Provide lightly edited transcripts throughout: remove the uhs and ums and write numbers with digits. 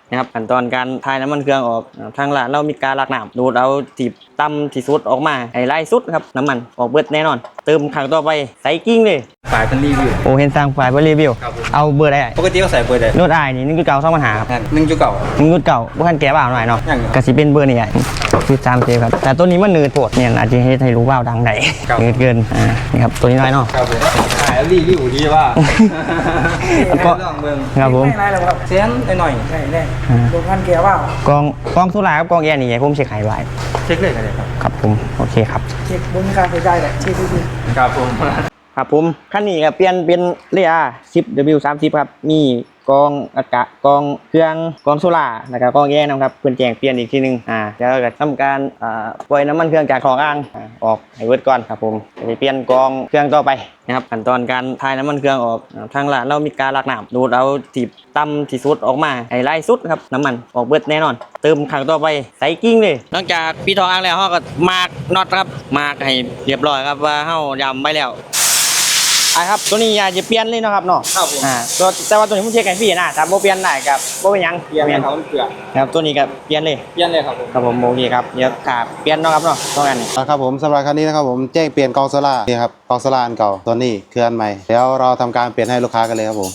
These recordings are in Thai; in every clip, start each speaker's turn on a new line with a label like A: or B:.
A: นะครับขั้นตอนการทายน้ำมันเครื่องออกทางร้านเรามีการลักน้ำดูดเอาที่ต่ำที่สุดออกมาให้ไล่สุดครับน้ำมันออกเบิดแน่นอนเติมครั้งต่อไปใส่กิ้งเลย
B: ฝ่ายเป็นรีวิว
A: โอ้เห็นสร้างฝ่ายเป็นรีวิวเอาเบอร์ได้
B: ปกติก็ใส่เบอร์ได้
A: นวดอายนี่1.9 2ปัญหาครับ1.9บ่ทันแก้บ่าวหน่อยเนาะก็สิเป็นเบอร์นี่คือ3เซฟครับแต่ตัวนี้มันเนืดโพดเนี่ยอาจจะให้รู้ว่าดังได้เนืดเกินนี่ครับตัวนี้น้อยเนาะ
B: ครับผมขายรีวิวดีว่าก็ลองเบิ่ง
A: ครับผม
B: ไม่ไรหรอกครับเสียงหน่อยใช่ได้ดูพันแก้วว่าก
A: องสุราครับกองแอร์นี่ผมเช็คให้ไว้
B: เช็คเลยกันเลย
A: ครับผมโอเคครับ
B: เช็คบนการใช้จ่ายแหละเช็คดีๆครับผม
A: คันนี้ครับเปลี่ยนเป็นเรีย 10W30 ครับมีกองอากาศกองเครื่องกองโซล่าแล้วก็กองแยกนะครับเพื่อนแจ้งเปลี่ยนอีกทีนึงแล้วก็ทำการปล่อยน้ำมันเครื่องจากคลองอ่างออกให้เวิร์ดก่อนครับผมจะเปลี่ยนกองเครื่องต่อไปนะครับขั้นตอนการทายน้ำมันเครื่องออกทางร้านเรามีการลักน้ำดูดเอาที่ต่ำที่สุดออกมาให้ไล่สุดครับน้ำมันออกเบิดแน่นอนเติมครั้งต่อไปใส่กิ้งเลยหลังจากพี่ทองอ่างแล้วเขาก็มาร์กน็อตครับมาร์กให้เรียบร้อยครับว่าเขายำไปแล้วครับตัวนี้อยากจะเปลี่ยนเลยนะครับเนาะแต่ว่าตัวนี้ผมเช็คให้พี่นะถ้าโมเปลี่ยนได้กับโมเป็นยัง
B: เปลี่ยนเขาเปลือก
A: ครับตัวนี้ก็เปลี่ยนเลยครับผมโอเคครับเดี๋ยวขาเปลี่ยนเนาะครับเนาะต้องกัน
C: ครับผมสำหรับคันนี้นะครับผมแจ้งเปลี่ยนกองโซล่านี่ครับกองโซล่าอันเก่าตัวนี้คืออันใหม่เดี๋ยวเราทำการเปลี่ยนให้ลูกค้ากันเลยครับผม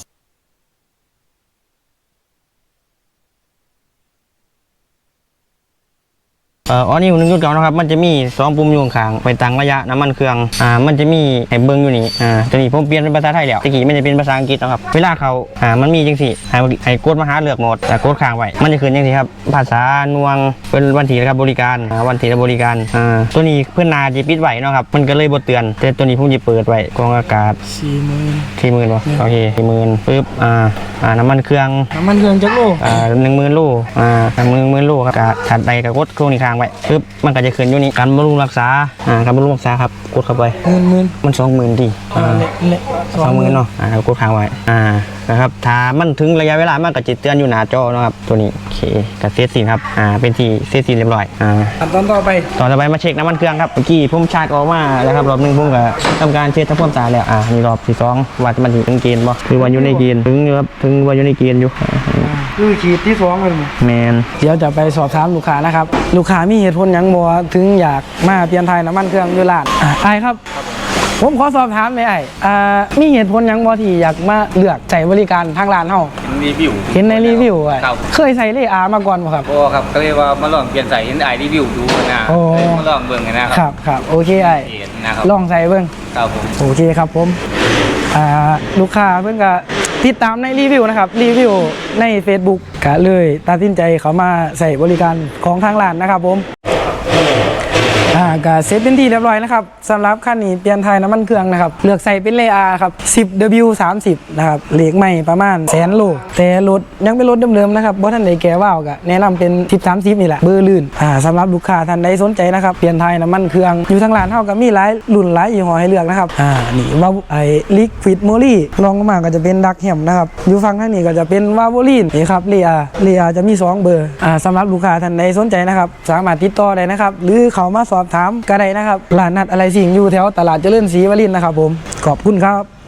A: นี่1.9นะครับมันจะมี2ปุ่มอยู่ข้างไปตั้งระยะน้ำมันเครื่องมันจะมีให้เบิ้งอยู่นี่ตัวนี้ผมเปลี่ยนเป็นภาษาไทยแล้วตะกี้มันจะเป็นภาษาอังกฤษนะครับเวลาเขามันมีจังสิให้กดมาหาเลือกโหมดแต่กดค้างไว้มันจะขึ้นจังสิครับภาษาหน่วงเป็นวันที่ครับบริการวันที่บริการตัวนี้เพื่อนนาจะปิดไว้เนาะครับมันก็เลยบ่เตือนแต่ตัวนี้ผมจะเปิดไว้กรองอากาศ40,000ป่ะโอเค40,000ปึ๊บน้ำมันเครื่อง
B: จักโล
A: 10,000 โล10,000 โลครับถัดไปก็กดโครงนี้ค้างไว้ปึ๊บมันก็จะขึ้นอยู่นี่การบำรุงรักษาการบำรุงรักษาครับกดเข้าไปมัน20,000ดี20,000เนาะกดค้างไว้นะครับถ้ามันถึงระยะเวลามันก็จะเตือนอยู่หน้าจอนะครับตัวนี้โอเคก็เซตสินครับเป็นที่เซตสินเรียบร้อย
B: ตอนต่อไป
A: มาเช็คน้ำมันเครื่องครับเมื่อกี้ผมชาร์จออกมาแล้วครับรอบนึงผมก็ทำการเช็คทำความสะอาดแล้วนี่รอบที่2ว่ามันถึงเกณฑ์บ่คือว่าอยู่ในเกณฑ์ถึงอยู่ครับถึงว่าอยู่ในเกณฑ์อยู่
B: คือขีดที่2เลย
A: แมน
B: เดี๋ยวจะไปสอบถามลูกค้านะครับลูกค้ามีเหตุผลยังบ่ถึงอยากมาเปลี่ยนไทยน้ำมันเครื่องอยู่ร้านไอ้ครับผมขอสอบถามเลยมีเหตุผลยังบ่ที่อยากมาเลือกใช้บริการทางร้านเฮาเห็นในรีวิวเคยใส่เลอามาก่อนบ่ครับ
D: ครับก็เลยว่ามาลองเปลี่ยนใส่เห็นรีวิวดูนะมาลองเบิ่ง
B: นะครับโอเคลองใส่เบิ่ง
D: ครับผม
B: โอเคครับผมลูกค้าเพิ่นก็ติดตามในรีวิวนะครับรีวิวใน Facebook ก็เลยตัดสินใจเขามาใส่บริการของทางร้านนะครับผมก็เซตเป็นที่เรียบร้อยนะครับสำหรับคันนี้เปลี่ยนไทยน้ำมันเครื่องนะครับเลือกใส่เป็นเลอาครับ 10W30 นะครับเหล็กใหม่ประมาณ100,000 โลแต่รถยังเป็นรถเดิมๆนะครับเพราะท่านใดแก่ว่าวก็แนะนำเป็น 1030 นี่แหละเบอร์ลื่นสำหรับลูกค้าท่านใดสนใจนะครับเปลี่ยนไทยน้ำมันเครื่องอยู่ทางร้านเท่ากับมีหลายรุ่นหลายยี่ห้อให้เลือกนะครับนี่ว่าลิควิดโมลี่ลองมาก็จะเป็นดักแฮมนะครับอยู่ฝั่งทางนี้ก็จะเป็นวาโวลีนนี่ครับเลอาจะมี2เบอร์สำหรับลูกค้าท่านใดสนใจนะครับสามารถติดต่อได้นะครับหรือเขามาสอบถามก็ได้นะครับร้านนัดอะไรสิ่งอยู่แถวตลาดเจริญศรีวรินทร์นะครับผมขอบคุณครับ